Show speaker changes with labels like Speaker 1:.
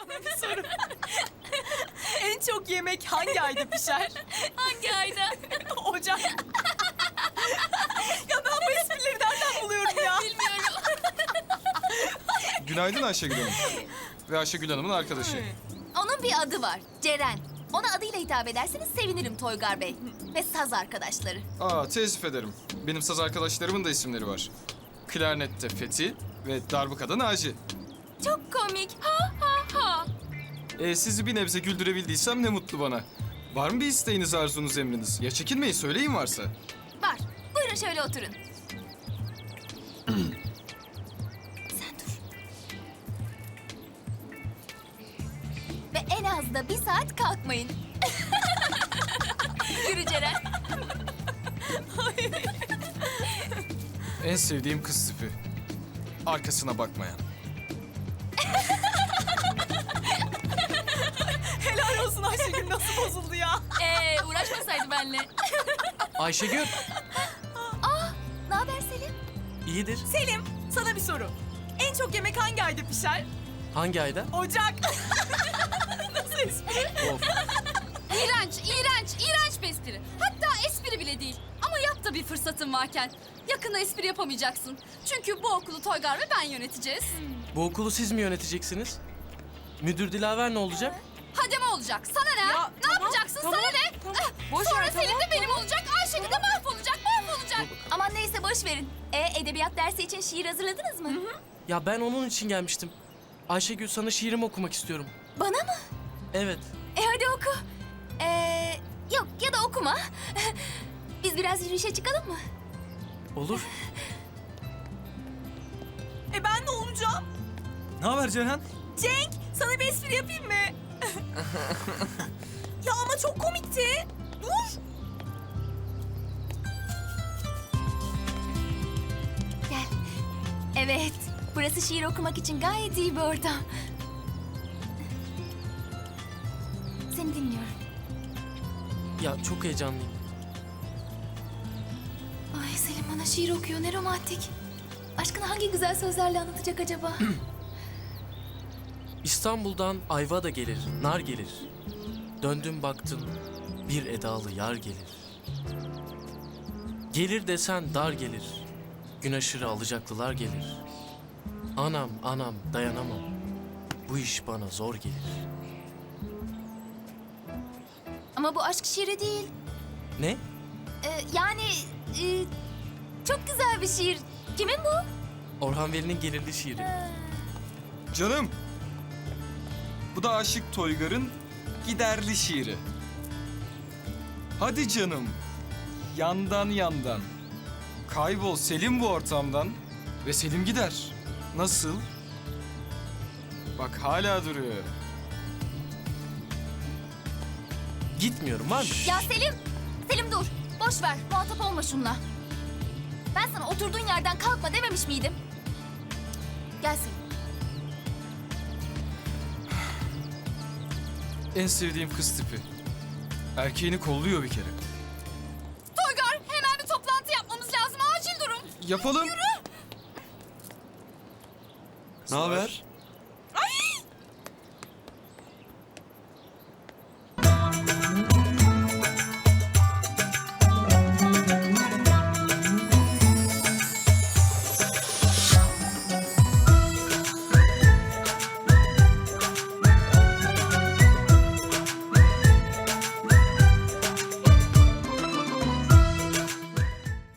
Speaker 1: Sana bir soru. En çok yemek hangi ayda pişer?
Speaker 2: Hangi ayda?
Speaker 1: Ocak. Ya ben bu esprileri nereden buluyorum ya?
Speaker 2: Bilmiyorum.
Speaker 3: Günaydın Ayşegül Hanım. Ve Ayşegül Hanım'ın arkadaşı.
Speaker 2: Onun bir adı var. Ceren. Ona adıyla hitap ederseniz sevinirim Toygar Bey. Ve saz arkadaşları.
Speaker 3: Aa, teessüf ederim. Benim saz arkadaşlarımın da isimleri var. Klarnette Fethi ve darbukada Naci.
Speaker 2: Çok komik. Ha ha ha.
Speaker 3: Sizi bir nebze güldürebildiysem ne mutlu bana. Var mı bir isteğiniz, arzunuz, emriniz? Ya çekinmeyin, söyleyin varsa.
Speaker 2: Var. Buyurun şöyle oturun. Sen dur. Ve en az da 1 saat kalkmayın. Yürü Ceren.
Speaker 3: En sevdiğim kız tipi. Arkasına bakmayan.
Speaker 1: Helal olsun Ayşegül, nasıl bozuldu ya?
Speaker 2: Uğraşmasaydı benimle.
Speaker 4: Ayşegül,
Speaker 2: Ne haber Selim?
Speaker 4: iyidir.
Speaker 1: Selim, sana bir soru. En çok yemek hangi ayda pişer?
Speaker 4: Hangi ayda?
Speaker 1: Ocak. Nasıl espri?
Speaker 4: Of.
Speaker 5: İğrenç bir espri. Hatta espri bile değil. Ama yap da bir fırsatın varken. Yakında espri yapamayacaksın. Çünkü bu okulu Toygar ve ben yöneteceğiz.
Speaker 4: Bu okulu siz mi yöneteceksiniz? Müdür Dilaver ne olacak?
Speaker 5: Hademe olacak. Sana ne?
Speaker 1: Ya,
Speaker 5: Ne
Speaker 1: tamam,
Speaker 5: yapacaksın?
Speaker 1: tamam,
Speaker 5: Sana ne?
Speaker 1: tamam. Boş
Speaker 5: Sonra
Speaker 1: ver,
Speaker 5: Selim
Speaker 1: tamam,
Speaker 5: de benim olacak. Ayşegül de mahvolacak.
Speaker 2: Aman neyse boş verin. Edebiyat dersi için şiir hazırladınız mı?
Speaker 4: Ya ben onun için gelmiştim. Ayşegül, sana şiirimi okumak istiyorum.
Speaker 2: Bana mı?
Speaker 4: Evet.
Speaker 2: Hadi oku. Yok ya da okuma. Biz biraz yürüyüşe çıkalım mı?
Speaker 4: Olur.
Speaker 1: Ben ne olacağım?
Speaker 6: Ne haber Ceren?
Speaker 1: Cenk, sana bir espri yapayım mı? Ya ama çok komikti. Dur.
Speaker 2: Gel. Evet, burası şiir okumak için gayet iyi bir ortam. Seni dinliyorum.
Speaker 4: Ya çok heyecanlıyım.
Speaker 2: Ay Selim bana şiir okuyor, ne romantik. Aşkını hangi güzel sözlerle anlatacak acaba?
Speaker 4: İstanbul'dan ayva da gelir, nar gelir. Döndüm baktım, bir edalı yar gelir. Gelir desen dar gelir, gün aşırı alacaklılar gelir. Anam, anam dayanamam, bu iş bana zor gelir.
Speaker 2: Ama bu aşk şiiri değil.
Speaker 4: Ne?
Speaker 2: Yani çok güzel bir şiir. Kimin bu?
Speaker 4: Orhan Veli'nin gelirli şiiri.
Speaker 3: Canım. Bu da Aşık Toygar'ın giderli şiiri. Hadi canım. Yandan yandan. Kaybol Selim bu ortamdan. Ve Selim gider. Nasıl? Bak hala duruyor.
Speaker 4: Gitmiyorum var mı?
Speaker 2: Ya Selim! Selim dur. Boş ver. Muhatap olma şununla. Ben sana oturduğun yerden kalkma dememiş miydim? Gel Selim.
Speaker 3: En sevdiğim kız tipi. Erkeğini kolluyor bir kere.
Speaker 5: Toygar hemen bir toplantı yapmamız lazım. Acil durum.
Speaker 3: Yapalım.
Speaker 6: Ne haber?